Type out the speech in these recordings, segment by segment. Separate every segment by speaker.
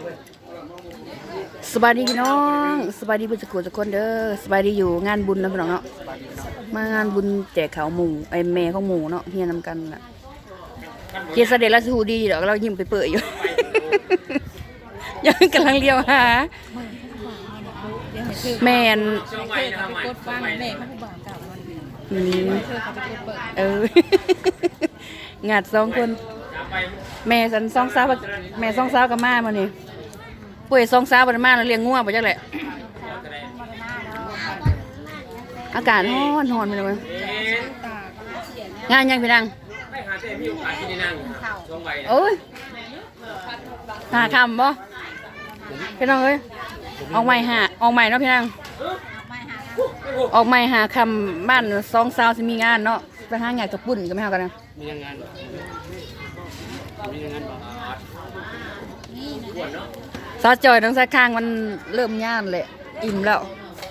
Speaker 1: สบายดีพี่น้องสบายดีเพื่อนสกุลทุกคนเด้อสบายดีอยู่งานบุญนะพี่น้องเนาะมางานบุญแจกข้าวหมูไอแม่ของหมูเนาะเฮียนำกันน่ะเกียรติเสด็จราชหูดีเดี๋ยวเรายิ้มไปเปื่อยอยู่ ยังกำลังเลี้ยวหาแม่น
Speaker 2: กดฟังแม่เขาผู้บ่าวเก่ามันเธอเขาไปกดเปิด
Speaker 1: งัด2 คนแม่สัน2 สาวแม่2 สาวกับมามานี่ป่วย2 สาวบ่ได้มาแล้วเลี้ยงงัวบ่จักแหละอากาศร้อนไปเลยงานยังพี่นางโอ้ยหาคำบ่พี่น้องเอ้ยออกใหม่เนาะพี่นางออกใหม่หาคำบ้าน2 สาวสิมีงานเนาะไปหางานกับปุ่นก็ไม่เฮากันนะ
Speaker 3: มีงาน
Speaker 1: ซอสจอยต้องใส่ข้างมันเริ่มย่านแหละอิ่มแล้ว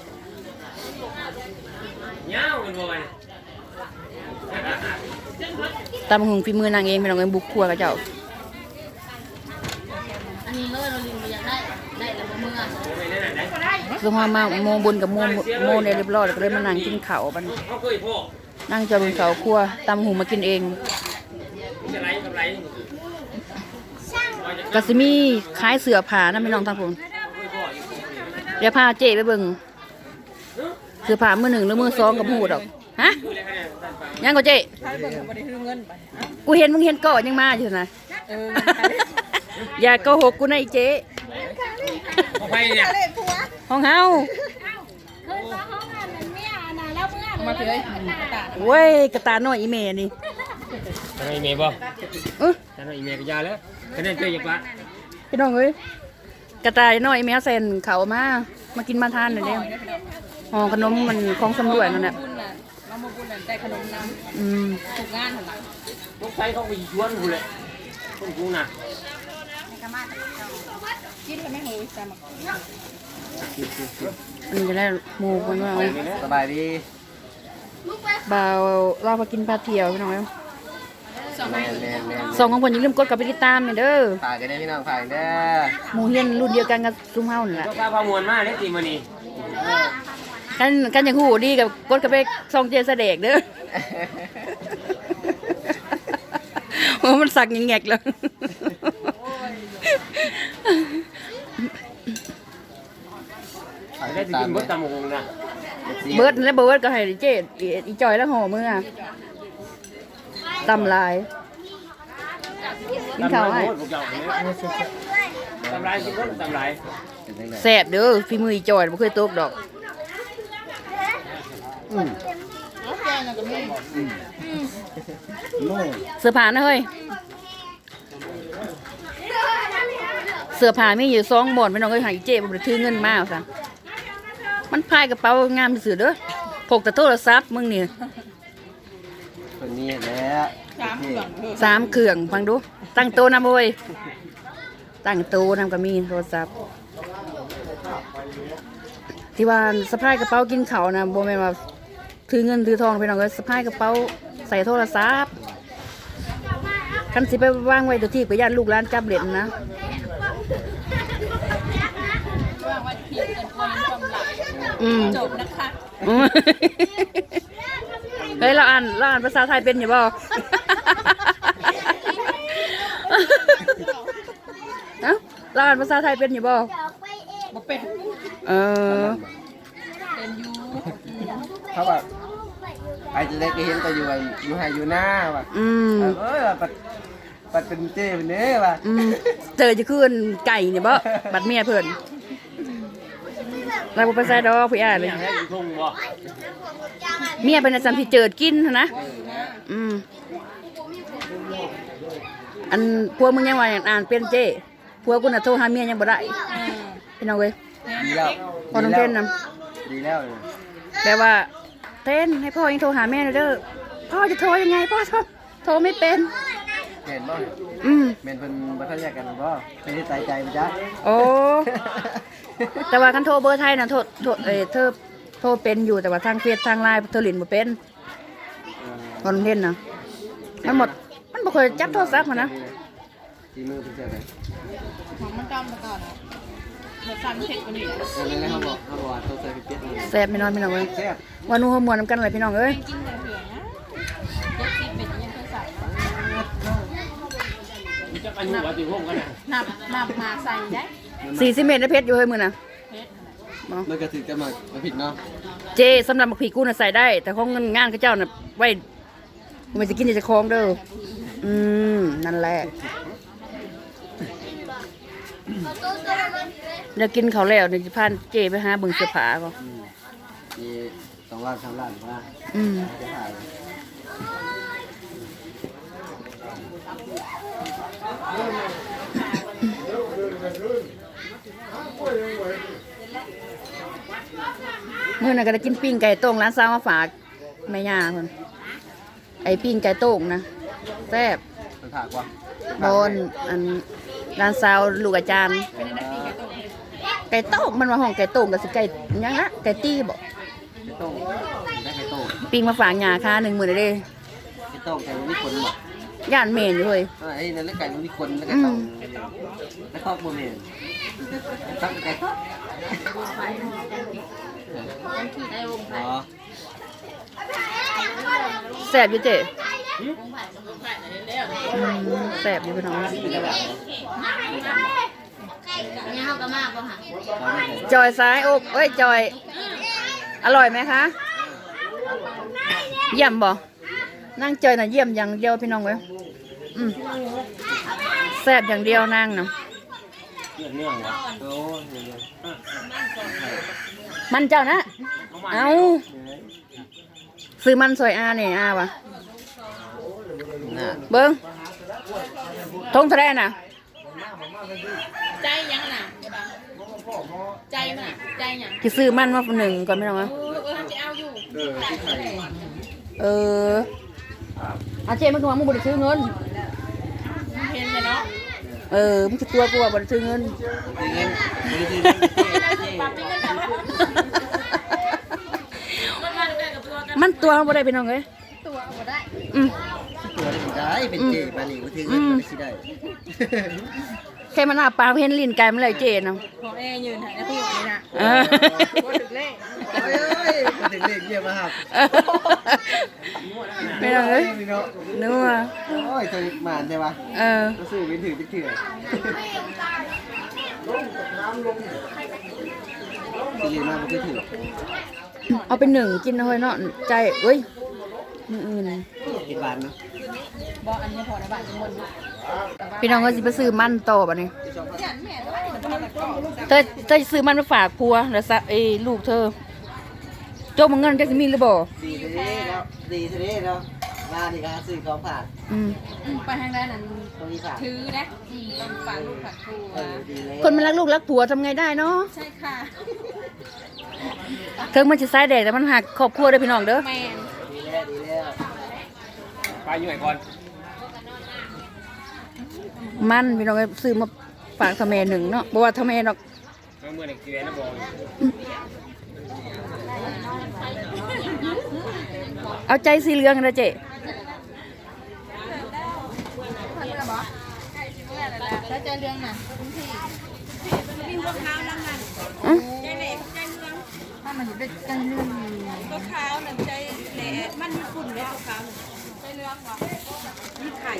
Speaker 1: ตำหุงฝีมือนางเองพี่น้องเอ้ยบุกครัวกับเจ้า
Speaker 2: อันนี้เลยเราลิงไปอยากได้แล้วเมื่อ
Speaker 1: สมมาโมบุญกับโมเนี่ยเรียบร้อยแล้วก็เลยมานั่งกินข้าวบัดนั่งจะบนเขาครัวตำหุงมากินเองก็สิมีขายเสื้อผ้านะพี่น้องทั้งผมเดี๋ยวพาเจ๊ไปเบิ่งเสื้อผ้ามือ 1หรือมือ 2กับหูดอกฮะยังก็เจ๊กูเห็นมึงเห็นก่อนยังมาอยู่นะอย่าโกหกกูนะไอ้เจ๊ห้องเฮา
Speaker 2: มาเลย
Speaker 1: เว้ยกระตาน้อยอีเมนี่
Speaker 3: ทำไมเมย์บ่ทำไมเมย์ก็ยาแล้วคะแนนเจออย่างปะ
Speaker 1: พี่น้องเอ้ยกระตายน้อยอีเมใส่เขามากินมาทานหน่อยเด้ห่อขนมมันของสำรวจนั่นแหละ
Speaker 2: เรามาบุญได้ขนมน้ำถูกงานเหรอ
Speaker 3: ลูกชายเขาไปชวนกูเลยคนกูน่ะ
Speaker 2: กินกันไม่หูสามัค
Speaker 1: อันนี้จะได้หมูคนว่า
Speaker 3: สบายดี
Speaker 1: บ่าวเราไปกินปลาเที่ยวพี่น้องเอ้ย
Speaker 3: แม่
Speaker 1: สองของคนอย่าลืมกดกับไปติดตามเด้อ
Speaker 3: ฝากกันได้พี่น้องฝากเด้อ
Speaker 1: หมูเฮียนรุ่นเดียวกันกับซุ้มเฮานี่แหละ
Speaker 3: เจ้าข้าพามวลมากเลยตีมันนี่
Speaker 1: กันอย่างหูดีกับกดกับไปซองเจสเด็กเด้อโอ้มันสักแงกเลย
Speaker 3: ได้กินเบิร์ดตามงนะ
Speaker 1: เบิร์ดและเบิร์ดก็ให้เจ๊อีจอยแล้วห่อมือตำลายกินข้าวให้
Speaker 3: ตำลายกินรถตำลาย
Speaker 1: แซ่บเด้อฝีมืออีจอยบ่เคยตกดอกเสื้อผ้านะเฮ้ยเสื้อผ้ามีอยู่2 บ่อนพี่น้องเอ้ยให้เจ๊บ่ได้ถือเงินมาซะมันพายกระเป๋างามซื่อเด้อพกแต่โทรศัพท์มึงนี่
Speaker 3: คนนี้แล้ว
Speaker 1: 3 เครื่องฟังดูตั้งโต๊ะนำบ่เว้ยตั้งโต๊ะนำก็มีโทรศัพท์ที่ว่าสะพายกระเป๋ากินข้าวนะบ่แม่นว่าถือเงินถือทองพี่น้องเอ้ยสะพายกระเป๋าใส่โทรศัพท์คันสิไปวางไว้ตัวที่ก็ย่านลูกหลานจับเล่นนะ
Speaker 2: จบนะคะ
Speaker 1: เฮ้ยเราอ่านภาษาไทยเป็นอยู่บ่เราอ่านภาษาไทยเป็นอยู่บ่
Speaker 2: บ่เป็น
Speaker 1: เป็น
Speaker 2: ยู
Speaker 3: เขาแบบไอ้จะได้ก็เห็นแต่อยู่ให้อยู่หน้าว่ะปัดเป็นเจ้เป็นเนื้อว่ะ
Speaker 1: เจอจะขึ้นไก่เนี่ยบ่บัดเมียเพิ่นเราไปใส่ดอกพี่อ่านเลยเมียเป็นอาจารย์พี่เจิดกินนะอันพวกมึงยังว่าอ่านเป็นเจ้พวกกูน่ะโทรหาเมียยังบ่ได้พี่น้องเว้ย
Speaker 3: ดีแล้ว
Speaker 1: พอน้องเต้นน
Speaker 3: ดีแล้ว
Speaker 1: แปลว่าเต้นให้พ่อยังโทรหาแม่เด้อพ่อจะโทรยังไงพ่อโทรไม่เป็น
Speaker 3: เห็นบ่เมนเป็นบัตรแยกกันบ่ไม่ได้ใจมันจ้ะ
Speaker 1: โอ้แต่ว่าคันโทรเบอร์ไทยน่ะเธอโทรเป็นอยู่แต่ว่าทางเฟซทางไลน์เธอหลินบ่เป็นพอน้องเต้นนะมันบ่เคยจับโทรศัพท์มานะ
Speaker 3: ตีมือเป็นเจ้าไหน
Speaker 2: ของมันจอมมาก่อนรสชาติมันเผ็ดกว่านี้
Speaker 3: นั่นแหละเขาบอกว่าต้องใส่พริกเผ็ดนี่
Speaker 1: แซ่บพี่น้องพี่น้องเอ้ย
Speaker 3: แซ่บ
Speaker 1: วันนู้นมวนน้ำกันอะไรพี่น้องเอ้ย
Speaker 2: กินแต่เผือกนะรสซีเป็ดยังเคยใส่นับมาใส่ได้
Speaker 1: 40 เมตรได้เพชรอยู่เฮ้ยมือน่ะ
Speaker 2: เผ็ด
Speaker 3: มันก็ถือกันมาผิดเนาะ
Speaker 1: เจสำหรับบักผีกูน่ะใส่ได้ แต่ของเงินงานกับเจ้าน่ะไว้มันจะกินจะคล้องเด้อนั่นแหละเดี๋ยวกินเขาวแล้วเดี๋ยวจะพาเจไปหาเบิ่งเสื้อผ้าก่อน
Speaker 3: มี2 ล้าน 3 ล้านว่า
Speaker 1: อืม
Speaker 3: จะถ่าย
Speaker 1: มื้อนั้นก็ได้กินปิ้งไก่โต้งร้านซาวมาฝากแม่ย่าคนไอ้ปิ้งไก่โต้งนะแซ่บ
Speaker 3: มันถ่ายกว่า
Speaker 1: บอนอันร้านซาวลูกอาจารย์
Speaker 2: เป็นได้ปีไก่ต้ม
Speaker 1: ไก่โต้งมันว่าห้องไก่โต้งกับสิไก่หยังละไก่ตี้บ่
Speaker 3: ไก่ต้มได้ไก่ต้ม
Speaker 1: ปิ้งมาฝากย่าค่า1 มื้อเด้
Speaker 3: ไก่ต้มไก่มันมีคนบอก
Speaker 1: ย่านเมนอยู่เฮ้ย
Speaker 3: ไอ้นั่นแล้วไก่มันมีคนแล้วไก่ต้มแล้วก็โมเมนตักไก่ต้มอ๋อ
Speaker 1: แซ่บอยู่เจ๊แซ่บอยู่พี่น้อง
Speaker 3: เป็นแบบ
Speaker 2: เนี่ยเขาก็มากป่ะค่ะ
Speaker 1: จอยซ้ายอกเอ้ยจอย อร่อยไหมคะ เยี่ยมบ่นั่งจอยน่ะเยี่ยมอย่างเดียวพี่น้องเว้ยแซ่บอย่างเดียวนั่งเนาะ
Speaker 3: เนื่องวะโอ้
Speaker 1: มันเจ้านะ เอาซื้อมันซอยอาเนี่ยอาวะ
Speaker 3: น่ะ
Speaker 1: เบิ้งทงเทะเลน่ะ
Speaker 2: ใจยังน่ะใจมันอ่ะใจยัง
Speaker 1: จะซื้อมันมาหนึ่งก่อนพี่น้องเว้ย
Speaker 2: จะเอาอยู่
Speaker 3: ที่ไทย
Speaker 1: อาเจมันก็ว่ามึงบ่ได้ซื้อเงิน
Speaker 2: เห็นเลยเนาะ
Speaker 1: มึงจะตัวกูว่าบ่ได้ซื้อเงิน
Speaker 3: เงินไม่ได้ซื้อ
Speaker 2: ปรับเป็นเงินแต่ว่า
Speaker 1: มันตัวมันบ่ได้พี่น้องเอ้ย
Speaker 2: ตัวเอาได้
Speaker 3: ตัวได้เป็นเจปานีก็ถือเงินมาได้สิได้
Speaker 1: แค่มันอาปากเห็นลิ้นไก่มันเลยเจเนาะ
Speaker 2: ของแอร์ยืนถ่ายได้พูดเลยนะ
Speaker 1: เออ
Speaker 2: พูดถึงเลข
Speaker 3: โอ้ยมาถึงเลขเยี่ยมมาครับ
Speaker 1: ไม่ต้องเลยนัว
Speaker 3: โอ้ยตัวหมานใช่ปะ ก็ซื้อไปถือไปถือสิเรียนมาบ่เคยถือ
Speaker 1: เอาเป็น1กินนะเฮ้ยเนาะใจเอ้ยมื้ออื่น
Speaker 3: กินหวานเนาะ
Speaker 2: บอกอันนี้พอในบ้านจะหมด
Speaker 1: พี่น้องก็สิไปซื้อมันต่อบัดนี้
Speaker 2: ยันแม่ด้วยมันต้องมาก่อน
Speaker 1: เธอจะซื้อมันมาฝากผัวแล้วซะลูกเธอโจมเงินจะสิมีหรือบ่
Speaker 3: ดีเท่ๆแล้วดีเท่ๆแล้วร้านนี้ก็ซื้อของฝาก
Speaker 2: ไปทางด้านนั้น
Speaker 3: ตรงนี้ฝาก
Speaker 2: ถือนะต้องฝากลูกฝากครู
Speaker 3: ดีเลย
Speaker 1: คนมันรักลูกรักผัวทำไงได้เนาะ
Speaker 2: ใช่ค่ะ
Speaker 1: เทิงมันสิสายแดดแต่มันหักครอบครัวเด้อพี่น้องเด้อ
Speaker 2: แมน
Speaker 3: ดีแล้วดีแล้ว
Speaker 4: ไปอยู่ไหนก่อน
Speaker 1: มันพี่น้องก็ซื้อมาฝากทำแม่หนึ่งเนาะบ่ว่าทำแม่ดอก
Speaker 4: เมื่อไหร่เกลือนะบอย
Speaker 1: เอาใจสีเหลืองนะเจ๊
Speaker 2: ถ้าเจอเรื่องน่ะมีพวกข้าวนั่งนั่นใจเหล็กใจเรื่องถ้ามันจะเป็นใจเรื่องก็ข้าวนั่นใจแหล่มันมีฝุ่นเลยข้าวใจเรื่องวะมีไข่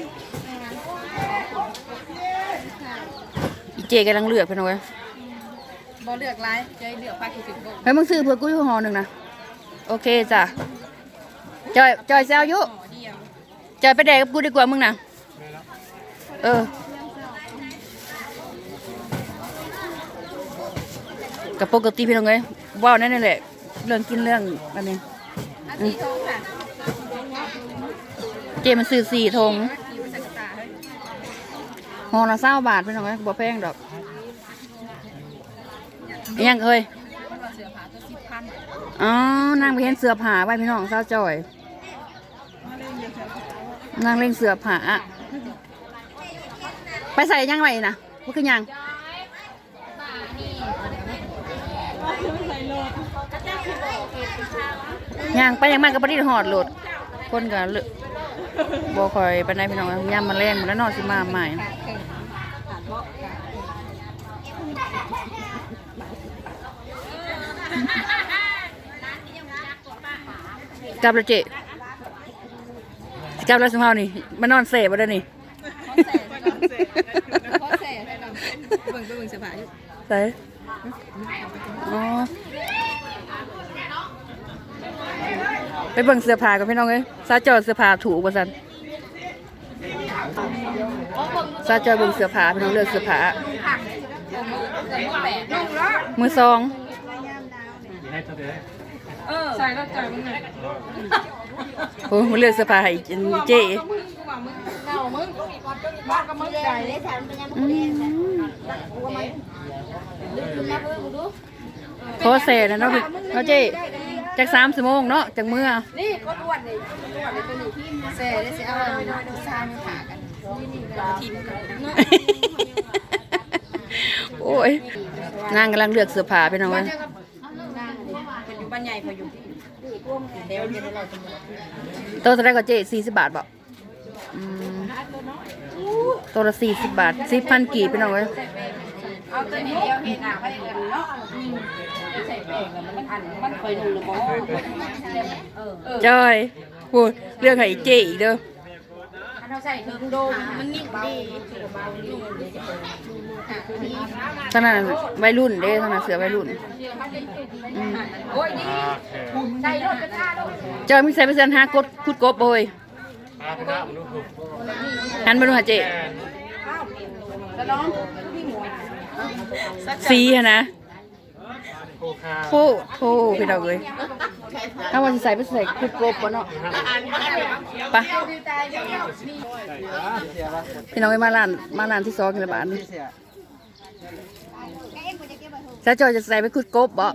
Speaker 1: อีเจกำลังเลือกพี่น้องเว้ย
Speaker 2: บ่เลือกไรใจเลือกปลาคิดถึงบ่
Speaker 1: เฮ้ยมึงซื้อเพื่อกูอยู่ห่อหนึ่งนะโอเคจ้ะจอยแซวอยู่
Speaker 2: ห่อเดียว
Speaker 1: จอยไปแดกกับกูดีกว่ามึงนะกับปกติพี่น้องเอ้ยว้าวนั่นแหละเรื่องกินเรื่องอันนี้
Speaker 2: อาทีทองค่ะ
Speaker 1: เจมันซื้อ4 ธง
Speaker 2: ขี่มาใส่กระตาเฮ้ย
Speaker 1: ห่อละ20 บาทพี่น้องเอ้ยบ่แพงดอกอิหยังเอ้ย
Speaker 2: มันว่าเสือผาตัว10,000
Speaker 1: อ๋อ นางไปเห็นเสือผาไว้พี่น้องสาวจอยนางเล่งเสือผาไปใส่ยังไงนะว่าคือยังยังไปยังมากกับปฏิหอดโหลดคนกับบ่คอยไปไหนพี่น้องย่ำมาแรงมาแล้วนอนสิมาใหม่กลับแล้วเจ๊กลับแล้วสมภานี่มานอนเสบ่ได้นี่
Speaker 2: ขอแส่ให้เราเบิ่งเสื้อผ้าอยู่
Speaker 1: ใส่อ๋อไปเบิ่งเสื้อผ้ากับพี่น้องเอ้ยซาจอเสื้อผ้าถูกว่าซั่นซาจอเบิ่งเสื้อผ้าพี่น้องเลือกเสื้อผ้ามือสอง
Speaker 2: ใส่แล้วจ่ายมึงไง
Speaker 1: โอ้มาเลือกเสื้อผ้าให้เจ๊
Speaker 2: มึงเน่ามึงบ้าก็มึงได้เลย
Speaker 1: ขอแซ่นะเนาะเจ๊จาก3 ชั่วโมงเนาะจากมื้อ
Speaker 2: นี่คนอ้วนเลยตัวนี้ที่แซ่ได้สิเอาซานขากันนี่ทีมกันเนาะ
Speaker 1: โอ้ยนางกำลังเลือกเสื้อผ้าพี่น้องเอ้ย
Speaker 2: เป็นอยู่บ้านใหญ่พออยู่เดี๋ยวจะได้เราจะมา
Speaker 1: ตัวเท่าไหร่ก็เจ๊40 บาทบ่ตัวละ40 บาท10,000กีบพี่น้องเอ้ย
Speaker 2: เอาตัวนี้เดียวเห็นหน้าไปเลยเนาะใส่แป้งมันเคยนุ่งหรือเปล่า
Speaker 1: จอยพูดเรื่องให้เจ๊อีกเด้อ
Speaker 2: เราใส่ถึงโดนมันนิ่มดี
Speaker 1: ท่านั้นวัยรุ่นเด้ท่านั้นเสือวัยรุ่น
Speaker 2: โอ้ยนี่ใส่รถกระชากรถ
Speaker 1: จอยมีใส่ไปเสื้อหากดคุดกบโบยหันมาดูหาเจ๊
Speaker 2: จะร้อง
Speaker 1: สีอะนะโทพี่น้องเอ้ยถ้าวันสิใส่ไปใส่คุดกบบ่เนาะไปพี่น้องเอ้ยมาร้านที่2กันละบาทนี่ถ้าจอยจะใส่ไปคุดกบบ่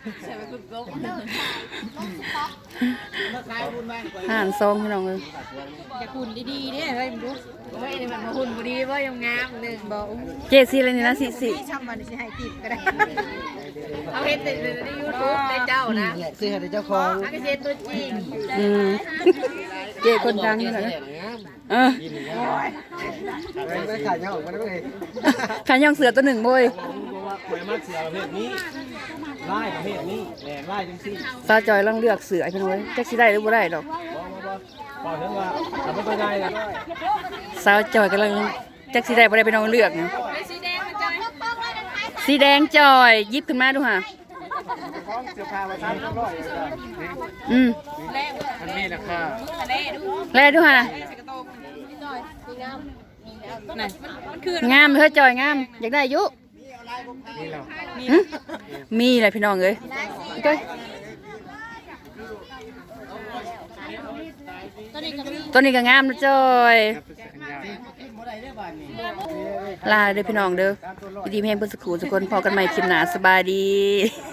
Speaker 1: ห่านซองพี่น้องเอ้ย
Speaker 2: จะหุ่นดีๆเนี่ยเฮ้ยมึงดูโอ้ยนี่มันมาหุ่นบุดีว่ายังงามหนึ่งบอก
Speaker 1: เจ๊สีอะไรนี่นะสี
Speaker 2: ที่ทำมันสิให้ติดก็ได้เอาเห็นแต่ในยูทูบในเจ้านะ
Speaker 3: ซื้อให้เจ้าของ
Speaker 2: อาเกษตรตัวจริง
Speaker 1: เจ๊คนดังนี่แหละเออ
Speaker 3: ไม่ขายเงามันไม่
Speaker 1: ขายย่องเสือตัวหนึ่งโบย
Speaker 4: หวยมักเสือประเภทนี้ไล่ประเภทนี้แหลมไล่จังซี่
Speaker 1: ซาจอยลังเลือกเสือพี่น้องเอ้ยจักสิได้หรือบ่ได้ดอก
Speaker 4: บอกถึงว่าทำไม่ค่อยได้นะ
Speaker 1: สาวจอยกำลังจักสีแดงบ่ได้ไปน้องเลือกนะ
Speaker 2: สีแดงมันจะ
Speaker 1: สีแดงจอยหยิบขึ้นมาดูค่ะ
Speaker 3: เสื้อผ้ามาทำร้อย
Speaker 4: มันมีราคา
Speaker 1: แลดูค่ะนะ
Speaker 2: นั่นมันคือง
Speaker 1: ามเฮ้ยจอยงามอยากได้อยุ
Speaker 4: นี่เรา
Speaker 1: มีอะไรพี่น้องเอ้ยเอ้ยตัวนี้ก็งามนะจอยลาเด้อพี่น้องเด้อดีๆแม่งเพิ่นสักครู่ทุกคนพอกันใหม่คลิปหน้าสบายดี